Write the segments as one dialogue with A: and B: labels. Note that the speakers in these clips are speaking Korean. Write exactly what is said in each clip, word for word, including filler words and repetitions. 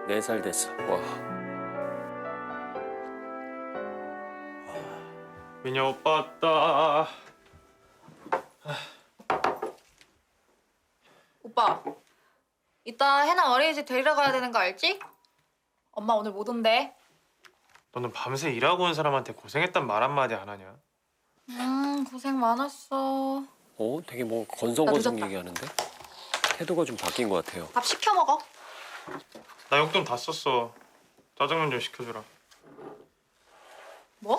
A: 네 살 됐어. 와.
B: 민혁 오빠 왔다.
C: 오빠, 이따 해나 어린이집 데리러 가야 되는 거 알지? 엄마 오늘 못 온대.
B: 너는 밤새 일하고 온 사람한테 고생했단 말 한마디 안 하냐?
C: 음, 고생 많았어.
A: 어, 되게 뭐 건성건성
C: 늦었다.
A: 얘기하는데? 태도가 좀 바뀐 것 같아요.
C: 밥 시켜 먹어.
B: 나 용돈 다 썼어. 짜장면 좀 시켜주라.
C: 뭐?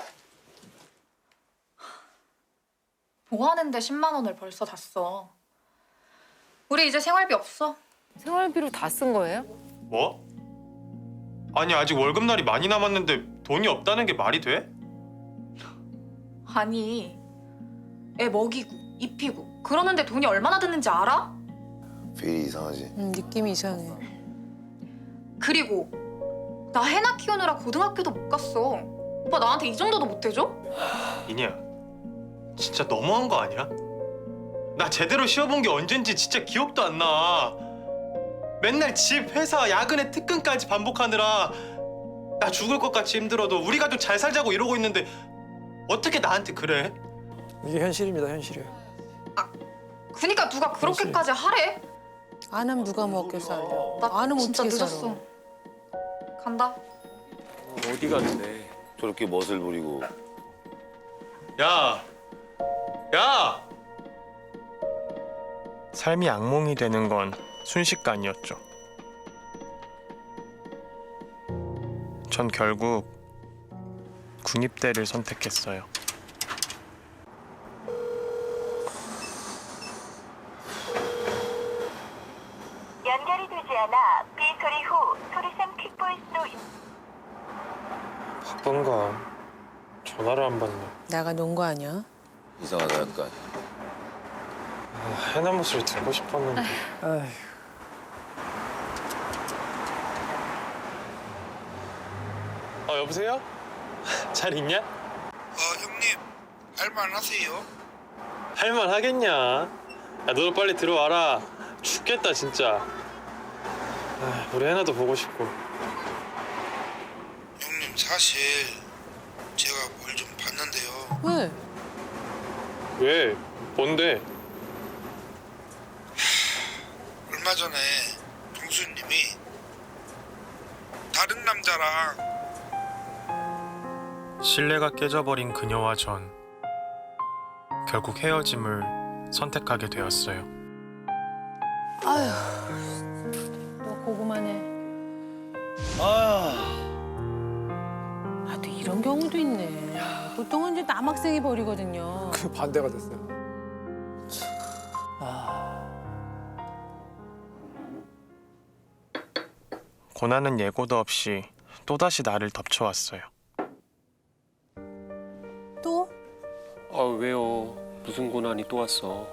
C: 뭐 하는데 십만 원을 벌써 다 써. 우리 이제 생활비 없어.
D: 생활비로 다 쓴 거예요?
B: 뭐? 아니 아직 월급날이 많이 남았는데 돈이 없다는 게 말이 돼?
C: 아니, 애 먹이고 입히고 그러는데 돈이 얼마나 드는지 알아?
E: 필이 이상하지.
D: 음, 느낌이 이상해.
C: 그리고 나 해나 키우느라 고등학교도 못 갔어. 오빠 나한테 이 정도도 못 해줘?
B: 이니야, 진짜 너무한 거 아니야? 나 제대로 쉬어본 게 언젠지 진짜 기억도 안 나. 맨날 집, 회사, 야근에 특근까지 반복하느라 나 죽을 것 같이 힘들어도 우리 가족 잘 살자고 이러고 있는데 어떻게 나한테 그래?
F: 이게 현실입니다, 현실이에요.
C: 그니까 누가 그렇게까지 하래?
D: 안 하면 누가 먹겠어, 알려.
C: 나
D: 안 하면
C: 진짜
D: 어떻게
C: 늦었어.
D: 살아.
C: 간다.
A: 어디 가는데?
E: 저렇게 멋을 부리고.
B: 야! 야! 삶이 악몽이 되는 건 순식간이었죠. 전 결국 군입대를 선택했어요.
G: 연결이 되지 않아 삐 소리 후 소리샘 퀵보이스로
B: 바쁜가? 전화를 안 받네.
D: 나가 논 거 아니야?
E: 이상하다 약간.
B: 아, 해남 목소리 듣고 싶었는데.
F: 아휴,
B: 어, 여보세요? 잘 있냐?
H: 어, 형님, 할만하세요?
B: 할만 하겠냐? 야, 너도 빨리 들어와라. 죽겠다, 진짜. 아, 우리 해나도 보고 싶고.
H: 형님, 사실 제가 뭘 좀 봤는데요.
D: 왜?
B: 왜? 뭔데?
H: 얼마 전에 동수님이 다른 남자랑
B: 신뢰가 깨져버린 그녀와 전 결국 헤어짐을 선택하게 되었어요.
D: 아휴, 너 고구마네.
F: 아,
D: 아, 또 이런 경우도 있네. 보통은 이제 남학생이 버리거든요.
F: 그 반대가 됐어요. 아,
B: 고난은 예고도 없이 또다시 나를 덮쳐왔어요.
D: 또?
A: 아, 왜요? 무슨 고난이 또 왔어?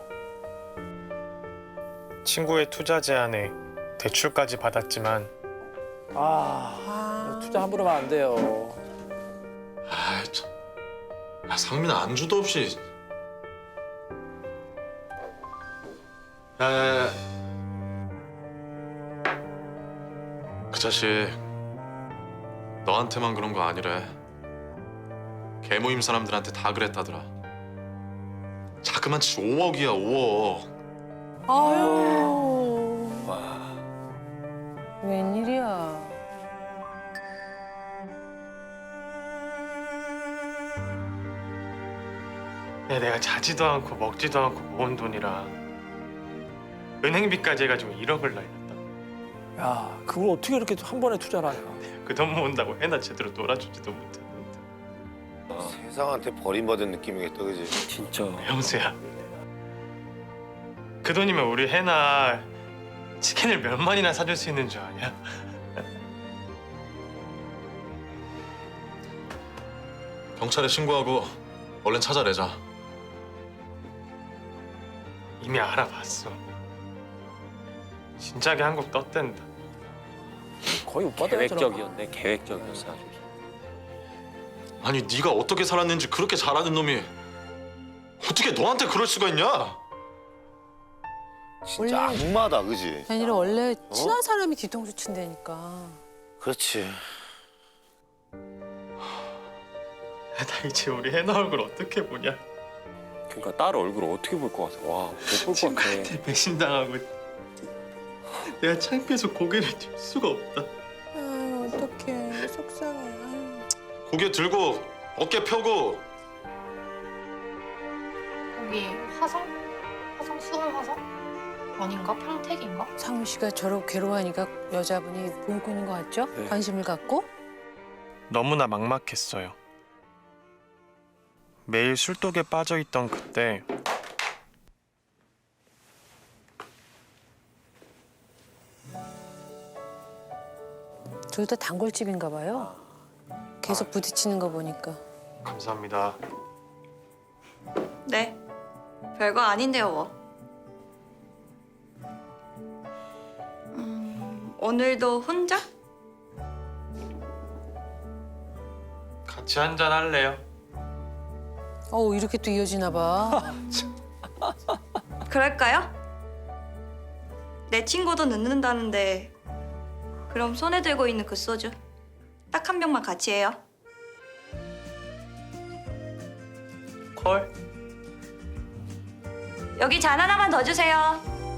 B: 친구의 투자 제안에 대출까지 받았지만
F: 아,
D: 아,
F: 투자 함부로 하면 안 돼요.
I: 아, 참. 야, 상민아 안주도 없이. 야야야. 그 자식 너한테만 그런 거 아니래. 개모임 사람들한테 다 그랬다더라. 자그만 치 오억이야 오억.
D: 아유.
A: 와.
D: 웬일이야.
B: 야, 내가 자지도 않고 먹지도 않고 모은 돈이라 은행비까지 해가지고 일억을 날렸다.
F: 야, 그걸 어떻게 이렇게 한 번에 투자를 하냐.
B: 그 돈 모은다고 해나 제대로 놀아주지도 못했는데.
E: 세상한테 버림받은 느낌이겠다, 그지?
A: 진짜.
B: 형수야, 그 돈이면 우리 해나 치킨을 몇 마리나 사줄 수 있는 줄 아냐?
I: 경찰에 신고하고 얼른 찾아내자.
B: 이미 알아봤어. 진작에 한국 떴댄다.
F: 거의 못 받아요, 저런 거.
A: 계획적이었네, 계획적이었어 아주.
I: 아니 네가 어떻게 살았는지 그렇게 잘하는 놈이 어떻게 너한테 그럴 수가 있냐?
E: 진짜 악마다, 그지?
D: 아니라 원래 친한 사람이 뒤통수 친다니까.
E: 그렇지.
B: 나 이제 우리 해나 얼굴 어떻게 보냐?
A: 그러니까 딸 얼굴 어떻게 볼 것 같아? 와, 못 볼 것 같아.
B: 친구한테 배신당하고 내가 창피해서 고개를 들 수가 없다.
D: 아, 어떡해. 속상해. 아유.
I: 고개 들고 어깨 펴고.
C: 거기 화성? 화성 수월 화성? 아닌가? 평택인가?
D: 상훈 씨가 저렇게 괴로워하니까 여자분이 보고 있는 것 같죠?
A: 네.
D: 관심을 갖고.
B: 너무나 막막했어요. 매일 술독에 빠져있던 그때
D: 둘 다 단골집인가 봐요. 계속 부딪히는 거 보니까.
B: 감사합니다.
J: 네, 별거 아닌데요, 뭐. 음, 오늘도 혼자?
B: 같이 한잔 할래요?
D: 어 이렇게 또 이어지나 봐.
J: 그럴까요? 내 친구도 늦는다는데 그럼 손에 들고 있는 그 소주 딱 한 병만 같이 해요.
B: 콜?
J: 여기 잔 하나만 더 주세요.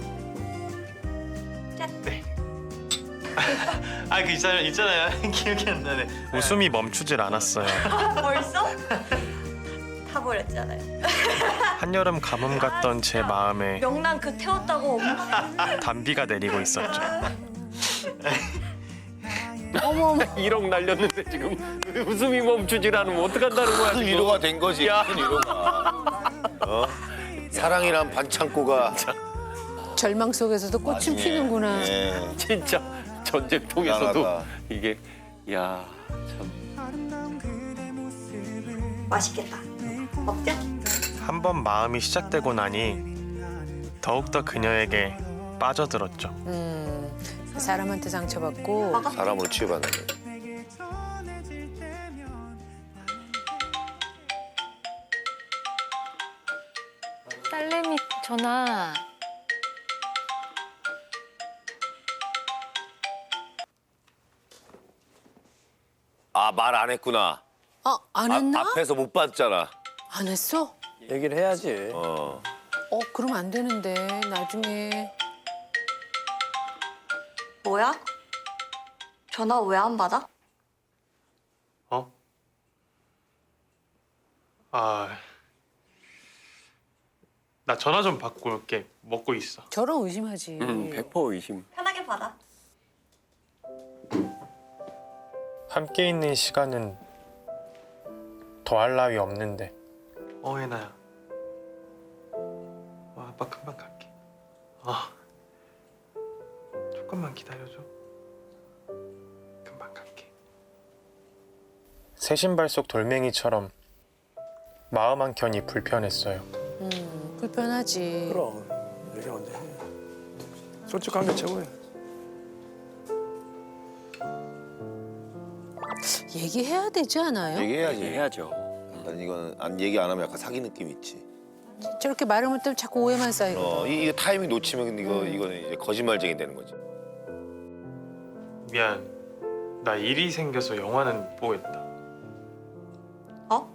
B: 아, 그 있잖아요, 있잖아요. 기억이 안 나네. 웃음이 멈추질 않았어요.
J: 벌써? 타버렸잖아요.
B: 한여름 가뭄 같던 제 마음에
J: 명랑 그 태웠다고 엄마.
B: 단비가 내리고 있었죠.
D: 어머 어머.
A: 일억 날렸는데 지금 웃음이 멈추질 않으면 어떡한다는 거야
E: 큰
A: 지금.
E: 위로가 된 거지.
A: 야.
E: 큰 위로가. 어? 사랑이란 반창고가
D: 절망 속에서도 꽃은
E: 나중에,
D: 피는구나.
E: 예.
A: 진짜 전쟁통에서도
E: 미안하다.
A: 이게 야 참.
J: 맛있겠다. 먹자.
B: 한 번 마음이 시작되고 나니 더욱더 그녀에게 빠져들었죠.
D: 음 사람한테 상처받고
J: 먹어.
E: 사람으로 취급하는.
K: 딸내미 전화.
E: 아, 말 안 했구나.
D: 아, 안
E: 아,
D: 했나?
E: 앞에서 못 봤잖아.
D: 안 했어?
F: 얘기를 해야지.
E: 어.
D: 어 그럼 안 되는데 나중에.
J: 뭐야? 전화 왜 안 받아?
B: 어? 아, 나 전화 좀 받고 올게. 먹고 있어.
D: 저런 의심하지.
A: 음, 백 퍼센트 의심.
J: 편하게 받아.
B: 함께 있는 시간은 더할 나위 없는데. 어, 해나야. 어, 아빠 금방 갈게. 아, 조금만 기다려줘. 금방 갈게. 새 신발 속 돌멩이처럼 마음 한켠이 불편했어요.
D: 음 불편하지.
F: 그럼 얘기 언제 해. 솔직한 게 최고야.
D: 얘기해야 되지 않아요?
E: 얘기해야지.
A: 해야죠.
E: 난 이거는 안 얘기 안 하면 약간 사기 느낌 있지.
D: 저렇게 말을 못하면 자꾸 오해만 쌓이고.
E: 어, 이, 이거 타이밍 놓치면 이거 이거는 이제 거짓말쟁이 되는 거지.
B: 미안. 나 일이 생겨서 영화는 못 보겠다.
J: 어?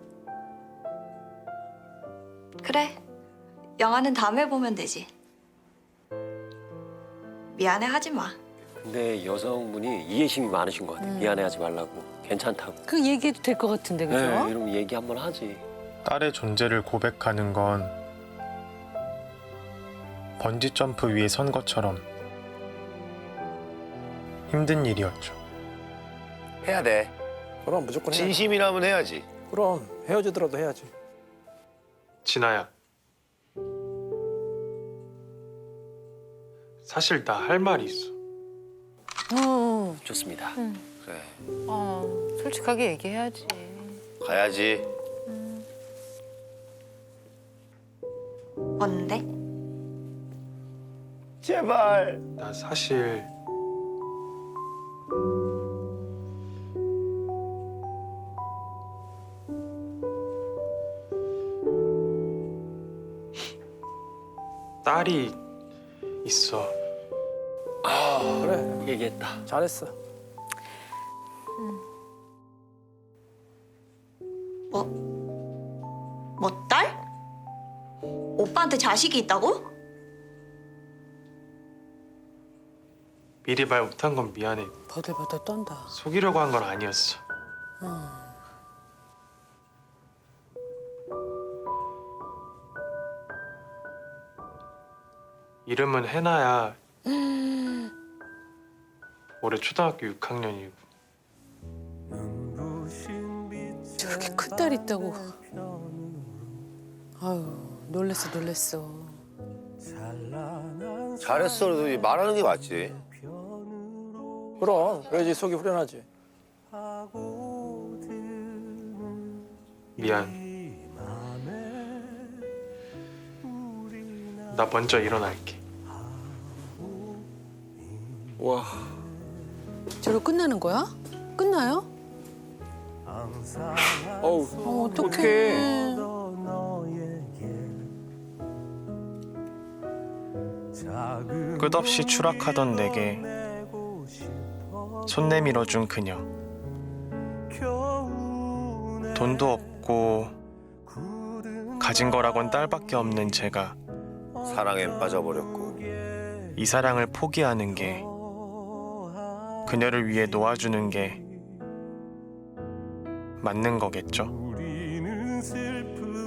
J: 그래. 영화는 다음에 보면 되지. 미안해 하지 마.
A: 근데 여성분이 이해심이 많으신 것 같아.
D: 음.
A: 미안해하지 말라고. 괜찮다고.
D: 그 얘기해도 될 것 같은데 그죠?
A: 네, 이러면 얘기 한번 하지.
B: 딸의 존재를 고백하는 건 번지 점프 위에 선 것처럼 힘든 일이었죠.
E: 해야 돼.
F: 그럼 무조건 해야지.
E: 진심이라면 해야지.
F: 그럼 헤어지더라도 해야지.
B: 진아야. 사실 나 할 말이 있어.
D: 어.
A: 좋습니다.
E: 그래.
K: 어, 솔직하게 얘기해야지.
E: 가야지.
J: 뭔데?
E: 제발.
B: 나 사실 딸이 있어.
F: 그래.
A: 얘기했다.
F: 잘했어.
J: 뭐? 뭐 딸? 오빠한테 자식이 있다고?
B: 미리 말 못한 건 미안해.
D: 버들버들 떤다.
B: 속이려고 한 건 아니었어. 이름은 해나야. 올해 초등학교 육 학년이고.
D: 저렇게 큰 딸 있다고. 아유 놀랬어 놀랬어.
E: 잘했어. 그래도 말하는 게 맞지.
F: 그럼 그래야지 속이 후련하지.
B: 미안. 나 먼저 일어날게.
A: 와,
D: 저로 끝나는 거야? 끝나요?
A: 어우,
D: 어, 어떡해.
A: 어떡해.
B: 끝없이 추락하던 내게 손 내밀어준 그녀. 돈도 없고 가진 거라곤 딸밖에 없는 제가
E: 사랑엔 빠져버렸고.
B: 이 사랑을 포기하는 게, 그녀를 위해 놓아주는 게 맞는 거겠죠?